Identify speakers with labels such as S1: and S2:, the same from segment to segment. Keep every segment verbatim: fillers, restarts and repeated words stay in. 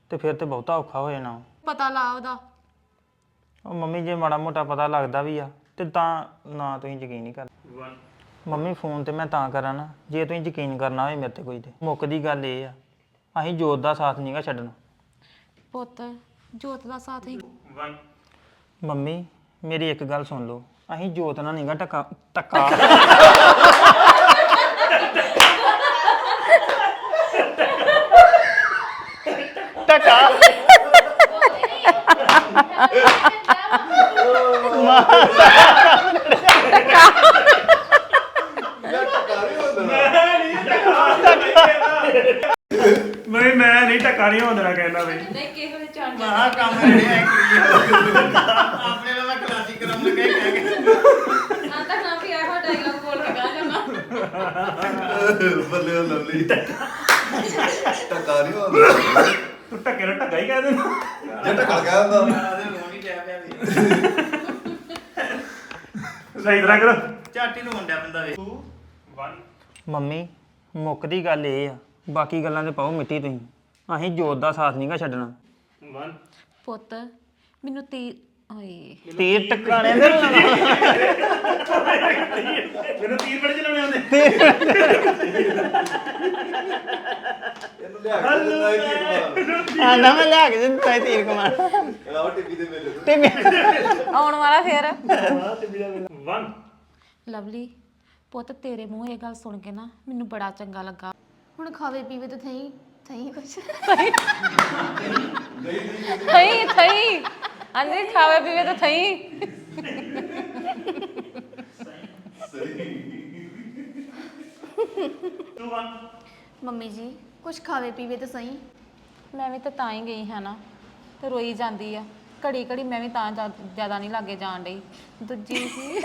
S1: ਤੇ ਫਿਰ ਤੇ ਬਹੁਤਾ ਔਖਾ ਹੋ ਜਾਣਾ।
S2: ਪਤਾ ਲਾ ਉਹਦਾ।
S1: ਉਹ ਮੰਮੀ ਜੇ ਮਾੜਾ ਮੋਟਾ ਪਤਾ ਲੱਗਦਾ ਵੀ ਆ ਤੇ ਤਾਂ ਨਾ ਤੁਸੀਂ ਯਕੀਨ ਨਹੀਂ ਕਰ ਮੰਮੀ ਫੋਨ ਤੇ ਮੈਂ ਤਾਂ ਕਰਾਂ ਨਾ ਜੇ ਤੁਸੀਂ ਯਕੀਨ ਕਰਨਾ ਹੋਵੇ ਮੇਰੇ ਤੇ ਕੋਈ ਤੇ ਮੁੱਕਦੀ ਗੱਲ ਇਹ ਆ ਅਸੀਂ ਜੋਤ ਦਾ ਸਾਥ ਨਹੀਂਗਾ ਛੱਡਣਾ।
S2: ਪੁੱਤ ਜੋਤ ਦਾ ਸਾਥ ਹੀ
S1: ਮੰਮੀ ਮੇਰੀ ਇੱਕ ਗੱਲ ਸੁਣ ਲਓ ਅਸੀਂ ਜੋਤ ਨਾਲ ਨਹੀਂਗਾ ਟੱਕਾ ਟੱਕਾ ਟੱਕਾ
S3: ਮੈਂ ਮੈਂ ਨਹੀਂ ਟੱਕਾ ਨਹੀਂ ਹੁੰਦਾ ਕਹਿੰਦਾ ਬਈ
S2: ਨਹੀਂ ਕਿਸੇ ਦੇ ਚੜ
S3: ਆਹ ਕੰਮ ਜਿਹੜੇ ਆਪਣੇ ਨਾਲ ਮੈਂ ਕਲਾਸਿਕ ਕਰਾਉਣ ਲੱਗਾ ਹੀ ਕਹਿ ਕੇ
S2: ਨਾ ਤਾਂ ਨਾ ਵੀ ਇਹੋ ਡਾਇਲੌਗ ਬੋਲ ਕੇ ਗਾ ਜਾਣਾ
S4: ਬੱਲੇ ਉਹ ਲਵਲੀ ਟੱਕਾ ਨਹੀਂ ਹੁੰਦਾ
S3: ਤੂੰ ਟੱਕੇ ਨੂੰ ਟੱਕਾ ਹੀ ਕਹਿ ਦਿੰਦਾ
S4: ਜੇ ਟੱਕਾ ਕਹਿ ਦਿੰਦਾ
S3: ਸਹੀ ਤਰ੍ਹਾਂ ਕਰੋ
S5: ਝਾਟੀ ਨੂੰ ਮੁੰਡਿਆ ਬੰਦਾ ਵੇ
S3: two one
S1: ਮੰਮੀ ਮੁੱਕਦੀ ਗੱਲ ਇਹ ਆ ਬਾਕੀ ਗੱਲਾਂ ਤੇ ਪਾਓ ਮਿੱਟੀ ਤੁਸੀਂ ਅਸੀਂ ਜੋਤ ਦਾ ਸਾਥ ਨਹੀਂਗਾ ਛੱਡਣਾ।
S3: one
S2: ਪੁੱਤ ਮੈਨੂੰ ਤੀ ਓਏ
S1: ਤੀਰ ਟਕਾਣੇ ਦੇ
S3: ਮੈਨੂੰ ਤੀਰ ਬੜੇ ਚਲਾਉਣੇ ਆਉਂਦੇ
S4: ਇਹਨੂੰ ਲਿਆ ਕੇ ਦਿੰਦਾ ਇਹ ਕੀ
S1: ਆ ਨਾ ਮੈਂ ਲਿਆ ਕੇ ਦਿੰਦਾ ਤੀਰ ਕਮਾਨ
S4: ਆਹ ਟੀਵੀ ਦੇ ਮੇਲੇ
S1: ਤੇ ਮੈਂ
S2: ਆਉਣ ਵਾਲਾ ਫੇਰ
S3: one
S2: ਲਵਲੀ ਪੁੱਤ ਤੇਰੇ ਮੂੰਹ ਇਹ ਗੱਲ ਸੁਣ ਕੇ ਨਾ ਮੈਨੂੰ ਬੜਾ ਚੰਗਾ ਲੱਗਾ।
S6: ਹੁਣ ਖਾਵੇ ਪੀਵੇ ਤੇ ਥਈ ਥਈ ਕੁਛ
S2: ਥਈ ਥਈ ਅੰਦਰ ਖਾਵੇ ਪੀਵੇ ਤਾਂ ਥਈ
S3: two one
S6: ਮੰਮੀ ਜੀ ਕੁਛ ਖਾਵੇ ਪੀਵੇ ਤੇ ਸਹੀ।
S2: ਮੈਂ ਵੀ ਤਾਂ ਤਾਂ ਹੀ ਗਈ ਹਾਂ ਨਾ ਤੇ ਰੋਈ ਜਾਂਦੀ ਆ ਘੜੀ ਘੜੀ ਮੈਂ ਵੀ ਤਾਂ ਜ਼ਿਆਦਾ ਨਹੀਂ ਲਾਗੇ ਜਾਣ ਡਈ ਦੂਜੀ ਸੀ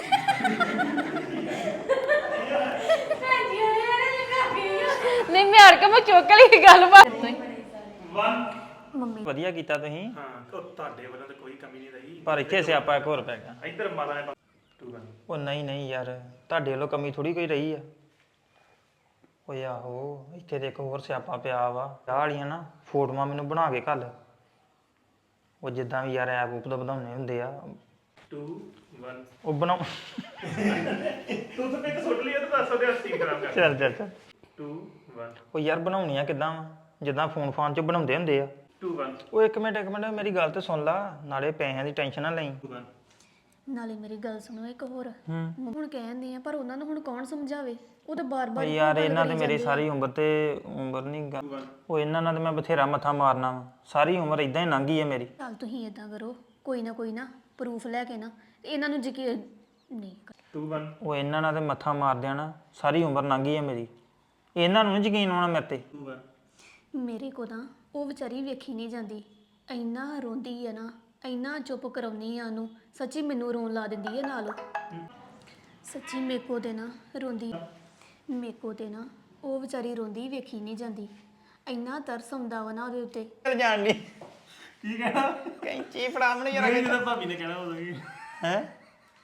S2: ਨਹੀਂ ਮੈਂ ਹਰ ਕੇ ਮੈਂ ਚੁੱਕ ਲਈ ਗੱਲ ਬਾਤ
S3: one
S6: ਮੰਮੀ
S1: ਵਧੀਆ ਕੀਤਾ ਤੁਸੀਂ
S3: ਹਾਂ ਉਹ ਤੁਹਾਡੇ ਵੱਲੋਂ ਤਾਂ ਕੋਈ ਕਮੀ ਨਹੀਂ ਰਹੀ
S1: ਪਰ ਇੱਥੇ ਸਿਆਪਾ ਇੱਕ ਹੋਰ ਪੈ ਗਿਆ।
S3: ਇੱਧਰ ਮਾਤਾ ਨੇ two one
S1: ਉਹ ਨਹੀਂ ਨਹੀਂ ਯਾਰ ਤੁਹਾਡੇ ਵੱਲੋਂ ਕਮੀ ਥੋੜੀ ਕੋਈ ਰਹੀ ਆ। ਓਏ ਆਹੋ ਇੱਥੇ ਤੇ ਇੱਕ ਹੋਰ ਸਿਆਪਾ ਪਿਆ ਵਾ ਆਹ ਵਾਲੀਆਂ ਨਾ ਫੋਟੋਆਂ ਮੈਨੂੰ ਬਣਾ ਕੇ ਘੱਲ ਉਹ ਜਿੱਦਾਂ ਵੀ ਯਾਰ ਐਪ ਉਪ ਦਾ ਵਧਾਉਣੇ ਹੁੰਦੇ ਆ
S3: two one
S1: ਉਹ ਬਣਾਉ
S3: ਤੂੰ ਤਾਂ ਇੱਕ ਸੁੱਟ ਲਈ ਤਾਂ ਦੱਸ ਦੇ ਅਸੀਂ ਖਰਾਬ ਕਰ
S1: ਚੱਲ ਚੱਲ ਚੱਲ
S3: two one
S1: ਉਹ ਯਾਰ ਬਣਾਉਣੀਆਂ ਕਿੱਦਾਂ ਵਾ ਜਿੱਦਾਂ ਫੋਨ ਫਾਨ 'ਚ ਬਣਾਉਂਦੇ ਹੁੰਦੇ ਆ।
S3: two one
S1: ਉਹ ਇੱਕ ਮਿੰਟ ਇੱਕ ਮਿੰਟ ਮੇਰੀ ਗੱਲ ਤੇ ਸੁਣ ਲਾ ਨਾਲੇ ਪੈਸਿਆਂ ਦੀ ਟੈਨਸ਼ਨ ਨਾ ਲਈ।
S3: two one
S6: ਨਾਲੇ ਮੇਰੀ ਗੱਲ ਸੁਣੋ ਇੱਕ ਹੋਰ
S1: ਹੂੰ
S6: ਹੁਣ ਕਹਿੰਦੇ ਆ ਪਰ ਉਹਨਾਂ ਨੂੰ ਹੁਣ ਕੌਣ ਸਮਝਾਵੇ ਉਹ ਤਾਂ
S1: ਓ
S6: ਬਾਰ-ਬਾਰ
S1: ਯਾਰ ਇਹਨਾਂ ਤੇ ਮੇਰੀ ਸਾਰੀ ਉਮਰ ਤੇ ਉਮਰ ਨਹੀਂ ਗਾ ਉਹ ਇਹਨਾਂ ਨਾਲ ਤੇ ਮੈਂ ਬਥੇਰਾ ਮੱਥਾ ਮਾਰਨਾ ਵਾ ਸਾਰੀ ਉਮਰ ਇਦਾਂ ਹੀ ਲੰਘੀ ਹੈ ਮੇਰੀ।
S6: ਚੱਲ ਤੁਸੀਂ ਇਦਾਂ ਕਰੋ ਕੋਈ ਨਾ ਕੋਈ ਨਾ ਪ੍ਰੂਫ ਲੈ ਕੇ ਨਾ ਤੇ ਇਹਨਾਂ ਨੂੰ ਯਕੀਨ ਨਹੀਂ ਕਰ-
S3: two one
S1: ਉਹ ਇਹਨਾਂ ਨਾਲ ਤੇ ਮੱਥਾ ਮਾਰ ਦੇਣਾ ਸਾਰੀ ਉਮਰ ਲੰਘੀ ਹੈ ਮੇਰੀ ਇਹਨਾਂ ਨੂੰ ਨੀ ਯਕੀਨ ਆਉਣਾ ਮੇਰੇ ਤੇ।
S3: two one
S6: ਮੇਰੇ ਕੋ ਤਾਂ ਉਹ ਵਿਚਾਰੀ ਵੇਖੀ ਨਹੀਂ ਜਾਂਦੀ ਇੰਨਾ ਰੋਂਦੀ ਹੈ ਨਾ ਇੰਨਾ ਚੁੱਪ ਕਰਾਉਣੀ ਆ ਉਹਨੂੰ ਸੱਚੀ ਮੈਨੂੰ ਰੋਣ ਲਾ ਦਿੰਦੀ ਹੈ ਨਾਲ ਉਹ। ਸੱਚੀ ਮੇਕੋ ਦੇ ਨਾ ਰੋਂਦੀ ਮੇਕੋ ਤੇ ਨਾ ਉਹ ਵਿਚਾਰੀ ਰੋਂਦੀ ਵੇਖੀ ਨਹੀਂ ਜਾਂਦੀ ਇੰਨਾ ਤਰਸ ਆਉਂਦਾ ਵਾ ਨਾ ਉਹਦੇ ਉੱਤੇ।
S1: ਚੱਲ ਜਾਣ ਦੀ
S3: ਕੀ ਕਹਿਣਾ
S1: ਕੈਂਚੀ ਫੜਾ ਮੈਨੂੰ ਜਰਾ
S3: ਨਹੀਂ ਜਦੋਂ ਭਾਬੀ ਨੇ ਕਹਿਣਾ ਉਦੋਂ ਕੀ
S1: ਹੈ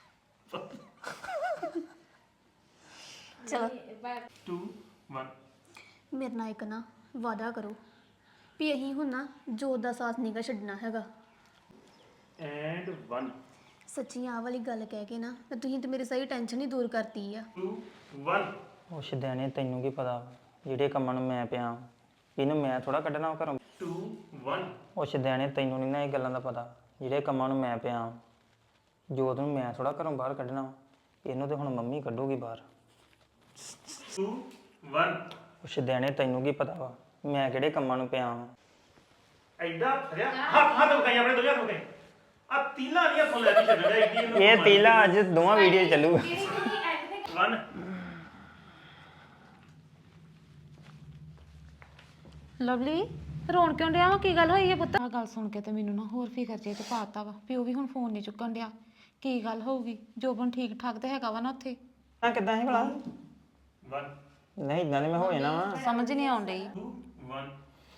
S6: ਚਲੋ
S3: two one
S6: ਮੇਰੇ ਨਾਲ ਇੱਕ ਨਾ ਵਾਅਦਾ ਕਰੋ ਵੀ ਅਸੀਂ ਹੁਣ ਨਾ ਜੋਤ ਦਾ ਸਾਥ ਨਹੀਂਗਾ ਛੱਡਣਾ ਹੈਗਾ।
S3: and one
S6: ਸੱਚੀ ਆਹ ਵਾਲੀ ਗੱਲ ਕਹਿ ਕੇ ਨਾ ਤੇ ਤੁਸੀਂ ਤੇ ਮੇਰੀ ਸਾਰੀ ਟੈਨਸ਼ਨ ਹੀ ਦੂਰ ਕਰਤੀ ਆ।
S3: two one
S1: ਉਹ ਸ਼ਦੈਣੇ ਤੈਨੂੰ ਕੀ ਪਤਾ ਜਿਹੜੇ ਕੰਮਾਂ ਨੂੰ ਮੈਂ ਪਿਆ ਇਹਨੂੰ ਮੈਂ ਥੋੜਾ ਕੱਢਣਾ ਵਾ ਘਰੋਂ।
S3: two one
S1: ਉਹ ਸ਼ਦੈਣੇ ਤੈਨੂੰ ਨਹੀਂ ਨਾ ਇਹ ਗੱਲਾਂ ਦਾ ਪਤਾ ਜਿਹੜੇ ਕੰਮਾਂ ਨੂੰ ਮੈਂ ਪਿਆ ਜੋਤ ਨੂੰ ਮੈਂ ਥੋੜਾ ਘਰੋਂ ਬਾਹਰ ਕੱਢਣਾ ਵਾ ਇਹਨੂੰ ਤੇ ਹੁਣ ਮੰਮੀ ਕੱਢੂਗੀ ਬਾਹਰ।
S3: two one
S1: ਉਹ ਸ਼ਦੈਣੇ ਤੈਨੂੰ ਕੀ ਪਤਾ ਵਾ ਮੈਂ ਕਿਹੜੇ ਕੰਮਾਂ ਨੂੰ ਪਿਆ ਵਾਂ।
S3: ਐਡਾ ਫਰਿਆ ਹੱਥ ਹੱਥ ਉਠਾਈ ਆਪਣੇ ਦੋਹਾਂ ਉਠਾਈ ਆ ਤੀਲਾ ਨਹੀਂ ਹੱਥੋਂ ਲੈ ਕੇ ਛੱਡਣਾ ਐਡੀ ਇਹਨੂੰ
S1: ਇਹ ਤੀਲਾ ਅੱਜ ਦੋਵਾਂ ਵੀਡੀਓ ਚੱਲੂਗਾ।
S3: one
S2: ਲਵਲੀ ਰੋਣ ਕਿਉਂ ਡਿਆ ਵਾ ਕੀ ਗੱਲ ਹੋਈ ਹੈ ਪੁੱਤ ਆਹ ਗੱਲ ਸੁਣ ਕੇ ਤੇ ਮੈਨੂੰ ਨਾ ਹੋਰ ਫਿਕਰ ਜੇ ਤੇ ਪਾਤਾ ਵਾ ਪਿਓ ਵੀ ਹੁਣ ਫੋਨ ਨਹੀਂ ਚੁੱਕਣ ਡਿਆ ਕੀ ਗੱਲ ਹੋਊਗੀ ਜੋਬਨ ਠੀਕ ਠਾਕ ਤੇ ਹੈਗਾ ਵਾ ਨਾ ਉੱਥੇ
S1: ਆ ਕਿੱਦਾਂ ਹੈ ਭਲਾ
S3: one
S1: ਨਹੀਂ ਇਦਾਂ ਨਹੀਂ ਮੈਂ ਹੋ ਜਾਣਾ ਵਾ।
S2: ਸਮਝ ਨਹੀਂ ਆਉਣ ਡਈ
S3: two one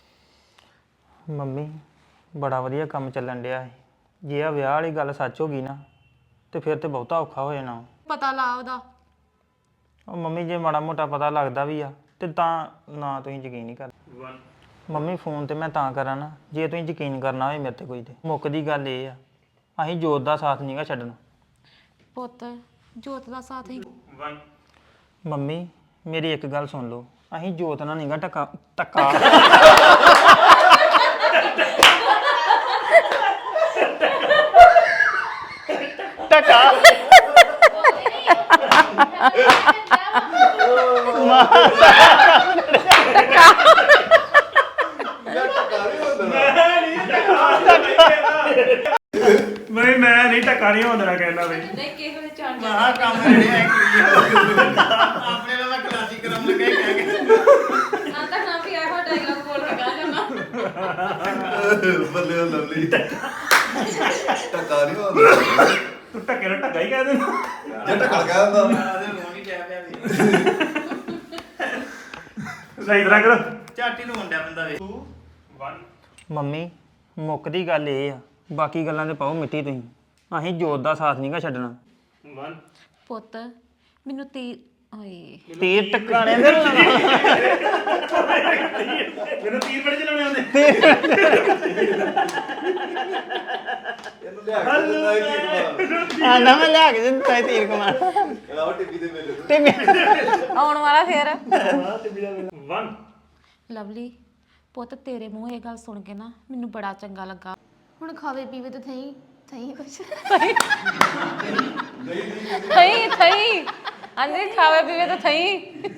S1: ਮੰਮੀ ਬੜਾ ਵਧੀਆ ਕੰਮ ਚੱਲਣ ਡਿਆ ਹੈ ਜੇ ਆ ਵਿਆਹ ਵਾਲੀ ਗੱਲ ਸੱਚ ਹੋ ਗਈ ਨਾ ਤੇ ਫਿਰ ਤੇ ਬਹੁਤਾ ਔਖਾ ਹੋ ਜਾਣਾ।
S2: ਪਤਾ ਲਾ ਉਹਦਾ
S1: ਉਹ ਮੰਮੀ ਜੇ ਮਾੜਾ ਮੋਟਾ ਪਤਾ ਲੱਗਦਾ ਵੀ ਆ ਤੇ ਤਾਂ ਨਾ ਤੁਸੀਂ ਯਕੀਨ ਨਹੀਂ ਕਰ
S3: one
S1: ਮੰਮੀ ਫੋਨ ਤੇ ਮੈਂ ਤਾਂ ਕਰਾਂ ਨਾ ਜੇ ਤੁਸੀਂ ਯਕੀਨ ਕਰਨਾ ਹੋਵੇ ਮੇਰੇ ਤੇ ਕੋਈ ਤੇ ਮੁੱਕਦੀ ਗੱਲ ਇਹ ਆ ਅਸੀਂ ਜੋਤ ਦਾ ਸਾਥ ਨਹੀਂਗਾ ਛੱਡਣਾ
S2: ਪੁੱਤ ਜੋਤ ਦਾ ਸਾਥ ਹੀ
S3: one
S1: ਮੰਮੀ ਮੇਰੀ ਇੱਕ ਗੱਲ ਸੁਣ ਲਓ ਅਸੀਂ ਜੋਤ ਨਾਲ ਨਹੀਂਗਾ ਟੱਕਾ ਟੱਕਾ ਟੱਕਾ
S4: ਯਾਰ ਟਕਾ ਨਹੀਂ ਹੁੰਦਾ
S3: ਮੈਂ ਮੈਂ ਨਹੀਂ ਟੱਕਾ ਨਹੀਂ ਹੁੰਦਾ ਕਹਿੰਦਾ ਬਈ
S2: ਨਹੀਂ ਕਿਸੇ ਦੇ ਚਾਣ
S3: ਆਹ ਕੰਮ ਜਿਹੜੇ ਐ ਆਪਣੇ ਨਾਲ ਮੈਂ ਕਲਾਸਿਕ ਕਰਾਉਣ ਲੱਗਾ ਹੀ ਕਹਿ ਕੇ
S2: ਨਾ ਤਾਂ ਨਾ ਵੀ ਇਹੋ ਡਾਇਲੌਗ ਬੋਲ ਕੇ ਗਾ ਕਰਨਾ
S4: ਬੱਲੇ ਉਹ ਲਵਲੀ ਟਕਾ ਨਹੀਂ ਹੁੰਦਾ
S3: ਤੂੰ ਟੱਕੇ ਨੂੰ ਟੱਕਾ ਹੀ ਕਹਿ ਦੇ
S4: ਜੇ ਟਕਾ ਗਿਆ ਹੁੰਦਾ
S3: ਸਹੀ ਤਰ੍ਹਾਂ ਕਰੋ
S5: ਝਾਟੀ ਨੂੰ ਮੁੰਡਿਆ ਬੰਦਾ ਵੇ
S3: two one
S1: ਮੰਮੀ ਮੁੱਕਦੀ ਗੱਲ ਇਹ ਆ ਬਾਕੀ ਗੱਲਾਂ ਤੇ ਪਾਓ ਮਿੱਟੀ ਤੁਸੀਂ ਅਸੀਂ ਜੋਤ ਦਾ ਸਾਥ ਨਹੀਂਗਾ ਛੱਡਣਾ
S3: one
S2: ਪੁੱਤ ਮੈਨੂੰ ਤੀ ਓਏ
S1: ਤੀਰ ਟਕਾਣੇ ਦੇ
S3: ਮੈਨੂੰ ਤੀਰ ਬੜੇ ਚਲਾਉਣੇ ਆਉਂਦੇ
S4: ਇਹਨੂੰ ਲਿਆ ਕੇ ਦਿੰਦਾ ਇਹ ਕੀ
S1: ਆ ਨਾ ਮੈਂ ਲਿਆ ਕੇ ਦਿੱਤਾ ਤੀਰ ਕਮਾਨ
S4: ਕਮਾਲ ਆਹ ਟੀਵੀ ਦੇ ਮੇਰੇ
S1: ਤੇ
S2: ਆਉਣ ਵਾਲਾ ਫੇਰ
S3: one
S2: ਲਵਲੀ ਪੁੱਤ ਤੇਰੇ ਮੂੰਹ ਇਹ ਗੱਲ ਸੁਣ ਕੇ ਨਾ ਮੈਨੂੰ ਬੜਾ ਚੰਗਾ ਲੱਗਾ
S6: ਹੁਣ ਖਾਵੇ ਪੀਵੇ ਤੇ ਥਈ ਥਈ ਕੁਛ
S2: ਥਈ ਥਈ ਅੰਦਰ ਖਾਵੇ ਪੀਵੇ ਤਾਂ ਥਈ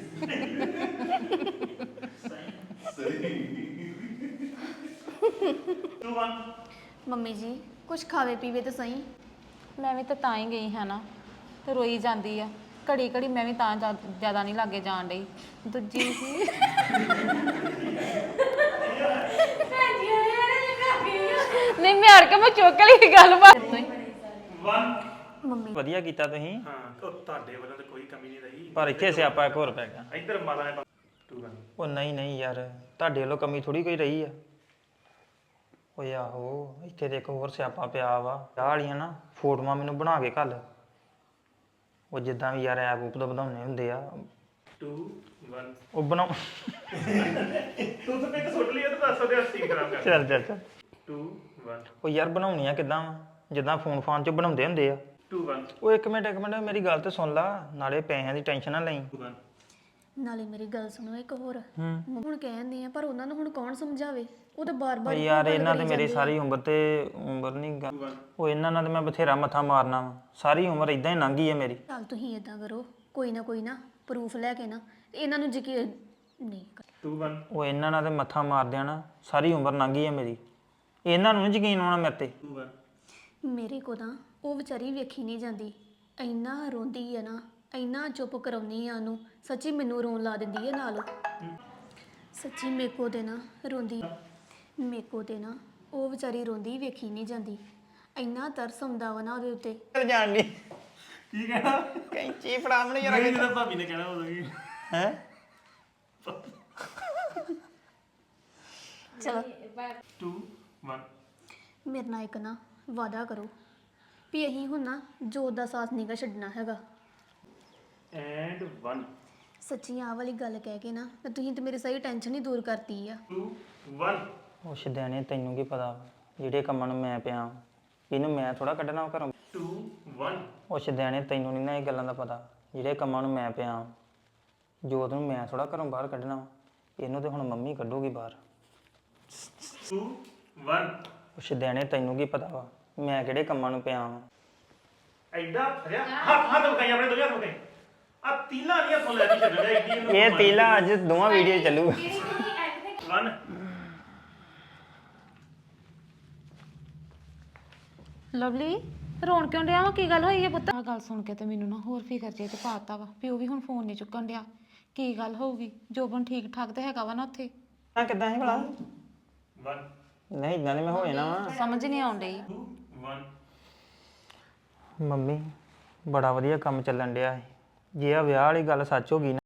S3: two one
S6: ਮੰਮੀ ਜੀ ਕੁਛ ਖਾਵੇ ਪੀਵੇ ਤੇ ਸਹੀ
S2: ਮੈਂ ਵੀ ਤਾਂ ਤਾਂ ਹੀ ਗਈ ਹਾਂ ਨਾ ਤੇ ਰੋਈ ਜਾਂਦੀ ਆ ਘੜੀ ਘੜੀ ਮੈਂ ਵੀ ਤਾਂ ਜ਼ਿਆਦਾ ਨਹੀਂ ਲਾਗੇ ਜਾਣ ਡਈ ਦੂਜੀ ਸੀ ਨਹੀਂ ਮੈਂ ਹਰ ਕੇ ਮੈਂ ਚੁੱਕ ਲਈ ਗੱਲ ਬਾਤ
S3: one
S6: ਮੰਮੀ
S1: ਵਧੀਆ ਕੀਤਾ ਤੁਸੀਂ
S3: ਹਾਂ ਉਹ ਤੁਹਾਡੇ ਵੱਲੋਂ ਤਾਂ ਕੋਈ ਕਮੀ ਨਹੀਂ ਰਹੀ
S1: ਪਰ ਇੱਥੇ ਸਿਆਪਾ ਇੱਕ ਹੋਰ ਪੈ ਗਿਆ
S3: ਇੱਧਰ ਮਾਤਾ ਨੇ two one
S1: ਉਹ ਨਹੀਂ ਨਹੀਂ ਯਾਰ ਤੁਹਾਡੇ ਵੱਲੋਂ ਕਮੀ ਥੋੜੀ ਕੋਈ ਰਹੀ ਆ ਓਏ ਆਹੋ ਇੱਥੇ ਤੇ ਇੱਕ ਹੋਰ ਸਿਆਪਾ ਪਿਆ ਵਾ ਆਹ ਵਾਲੀਆਂ ਨਾ ਫੋਟੋਆਂ ਮੈਨੂੰ ਬਣਾ ਕੇ ਘੱਲ ਉਹ ਜਿੱਦਾਂ ਵੀ ਯਾਰ ਐਪ ਉਪ ਦਾ ਬਣਾਉਣੇ ਹੁੰਦੇ ਆ
S3: two one
S1: ਉਹ ਬਣਾਉ
S3: ਤੂੰ ਤਾਂ ਇੱਕ ਸੁੱਟ ਲਈ ਤਾਂ ਦੱਸ ਦੇ ਅਸੀਂ ਖਰਾਬ ਕਰ
S1: ਚੱਲ ਚੱਲ ਚੱਲ
S3: two one
S1: ਉਹ ਯਾਰ ਬਣਾਉਣੀਆਂ ਕਿੱਦਾਂ ਵਾ ਜਿੱਦਾਂ ਫੋਨ ਫਾਨ 'ਚ ਬਣਾਉਂਦੇ ਹੁੰਦੇ ਆ
S3: two one
S1: ਉਹ ਇੱਕ ਮਿੰਟ ਇੱਕ ਮਿੰਟ ਮੇਰੀ ਗੱਲ ਤੇ ਸੁਣ ਲਾ ਨਾਲੇ ਪੈਸਿਆਂ ਦੀ ਟੈਨਸ਼ਨ ਨਾ ਲਈ
S3: two one
S6: ਨਾਲੇ ਮੇਰੀ ਗੱਲ ਸੁਣੋ ਇੱਕ ਹੋਰ
S1: ਹੂੰ
S6: ਹੁਣ ਕਹਿੰਦੇ ਆ ਪਰ ਉਹਨਾਂ ਨੂੰ ਹੁਣ ਕੌਣ ਸਮਝਾਵੇ ਉਹ ਤਾਂ
S1: ਉਹ
S6: ਬਾਰ-ਬਾਰ
S1: ਯਾਰ ਇਹਨਾਂ ਤੇ ਮੇਰੀ ਸਾਰੀ ਉਮਰ ਤੇ ਉਮਰ ਨਹੀਂ ਗਾ ਉਹ ਇਹਨਾਂ ਨਾਲ ਤੇ ਮੈਂ ਬਥੇਰਾ ਮੱਥਾ ਮਾਰਨਾ ਵਾ ਸਾਰੀ ਉਮਰ ਇਦਾਂ ਹੀ ਲੰਘ ਗਈ ਹੈ ਮੇਰੀ
S6: ਚੱਲ ਤੁਸੀਂ ਇਦਾਂ ਕਰੋ ਕੋਈ ਨਾ ਕੋਈ ਨਾ ਪ੍ਰੂਫ ਲੈ ਕੇ ਨਾ ਤੇ ਇਹਨਾਂ ਨੂੰ ਯਕੀਨ ਨਹੀਂ ਕਰ-
S3: two one
S1: ਉਹ ਇਹਨਾਂ ਨਾਲ ਤੇ ਮੱਥਾ ਮਾਰ ਦੇਣਾ ਸਾਰੀ ਉਮਰ ਲੰਘ ਗਈ ਹੈ ਮੇਰੀ ਇਹਨਾਂ ਨੂੰ ਨੀ ਯਕੀਨ ਆਉਣਾ ਮੇਰੇ ਤੇ
S3: two one
S6: ਮੇਰੇ ਕੋ ਤਾਂ ਉਹ ਵਿਚਾਰੀ ਵੇਖੀ ਨਹੀਂ ਜਾਂਦੀ ਇੰਨਾ ਰੋਂਦੀ ਹੈ ਨਾ ਇੰਨਾ ਚੁੱਪ ਕਰਾਉਣੀ ਆ ਉਹਨੂੰ ਸੱਚੀ ਮੈਨੂੰ ਰੋਣ ਲਾ ਦਿੰਦੀ ਹੈ ਨਾਲ ਸੱਚੀ ਮੇਕੋ ਦੇ ਨਾ ਰੋਂਦੀ ਮੇਕੋ ਤੇ ਨਾ ਉਹ ਵਿਚਾਰੀ ਰੋਂਦੀ ਵੇਖੀ ਨਹੀਂ ਜਾਂਦੀ ਇੰਨਾ ਤਰਸ ਆਉਂਦਾ ਵਾ ਨਾ ਉਹਦੇ ਉੱਤੇ
S1: ਜਾਣ ਦੀ
S3: ਕੀ ਕਹਿਣਾ
S1: ਕੈਂਚੀ ਫੜਾ ਮੈਨੂੰ ਯਾਰ
S3: ਨਹੀਂ ਜਦੋਂ ਭਾਬੀ ਨੇ ਕਹਿਣਾ ਉਦੋਂ ਕੀ
S1: ਹੈ
S6: ਚਲੋ
S3: two one
S6: ਮੇਰੇ ਨਾਲ ਇੱਕ ਨਾ ਵਾਅਦਾ ਕਰੋ ਵੀ ਅਸੀਂ ਹੁਣ ਨਾ ਜੋਤ ਦਾ ਸਾਥ ਨਹੀਂ ਗਾ ਛੱਡਣਾ ਹੈਗਾ
S3: and one
S6: ਸੱਚੀ ਆਹ ਵਾਲੀ ਗੱਲ ਕਹਿ ਕੇ ਨਾ ਤੇ ਤੁਸੀਂ ਤੇ ਮੇਰੀ ਸਹੀ ਟੈਨਸ਼ਨ ਹੀ ਦੂਰ ਕਰਤੀ ਆ
S3: two one
S1: ਉਹ ਸ਼ਦੈਣੇ ਤੈਨੂੰ ਕੀ ਪਤਾ ਜਿਹੜੇ ਕੰਮਾਂ ਨੂੰ ਮੈਂ ਪਿਆ ਇਹਨੂੰ ਮੈਂ ਥੋੜਾ ਕੱਢਣਾ ਵਾ ਘਰੋਂ
S3: two one
S1: ਉਹ ਸ਼ਦੈਣੇ ਤੈਨੂੰ ਨਹੀਂ ਨਾ ਇਹ ਗੱਲਾਂ ਦਾ ਪਤਾ ਜਿਹੜੇ ਕੰਮਾਂ ਨੂੰ ਮੈਂ ਪਿਆ ਜੋਤ ਨੂੰ ਮੈਂ ਥੋੜਾ ਘਰੋਂ ਬਾਹਰ ਕੱਢਣਾ ਵਾ ਇਹਨੂੰ ਤੇ ਹੁਣ ਮੰਮੀ ਕੱਢੂਗੀ ਬਾਹਰ
S3: two one
S1: ਉਹ ਸ਼ਦੈਣੇ ਤੈਨੂੰ ਕੀ ਪਤਾ ਵਾ ਮੈਂ ਕਿਹੜੇ ਕੰਮਾਂ ਨੂੰ ਪਿਆ ਵਾਂ
S3: ਐਡਾ ਫਰਿਆ ਹੱਥ ਹੱਥ ਬਕਾਈ ਆਪਣੇ ਦੋਹਾਂ ਬਕਾਈ ਆ ਤੀਲਾ ਨਹੀਂ ਹੱਥੋਂ ਲੈ ਕੇ ਛੱਡਣਾ ਐਡੀ ਇਹਨੂੰ
S1: ਇਹ ਤੀਲਾ ਅੱਜ ਦੋਵਾਂ ਵੀਡੀਓ ਚੱਲੂਗਾ
S3: one
S2: ਲਵਲੀ ਰੋਣ ਕਿਉਂ ਡਿਆ ਵਾ ਕੀ ਗੱਲ ਹੋਈ ਹੈ ਪੁੱਤ ਆਹ ਗੱਲ ਸੁਣ ਕੇ ਤੇ ਮੈਨੂੰ ਨਾ ਹੋਰ ਫਿਕਰ ਜੇ ਤੇ ਪਾਤਾ ਵਾ ਪਿਓ ਵੀ ਹੁਣ ਫੋਨ ਨਹੀਂ ਚੁੱਕਣ ਡਿਆ ਕੀ ਗੱਲ ਹੋਊਗੀ ਜੋਬਨ ਠੀਕ ਠਾਕ ਤੇ ਹੈਗਾ ਵਾ ਨਾ ਉੱਥੇ
S1: ਆ ਕਿੱਦਾਂ ਹੈ ਭਲਾ
S3: one
S1: ਨਹੀਂ ਇਦਾਂ ਨਹੀਂ ਮੈਂ ਹੋ ਜਾਣਾ ਵਾ
S2: ਸਮਝ ਨਹੀਂ ਆਉਣ ਡਈ
S3: two one
S1: ਮੰਮੀ ਬੜਾ ਵਧੀਆ ਕੰਮ ਚੱਲਣ ਡਿਆ ਹੈ ਜੇ ਆ ਵਿਆਹ ਵਾਲੀ ਗੱਲ ਸੱਚ ਹੋ ਗਈ ਨਾ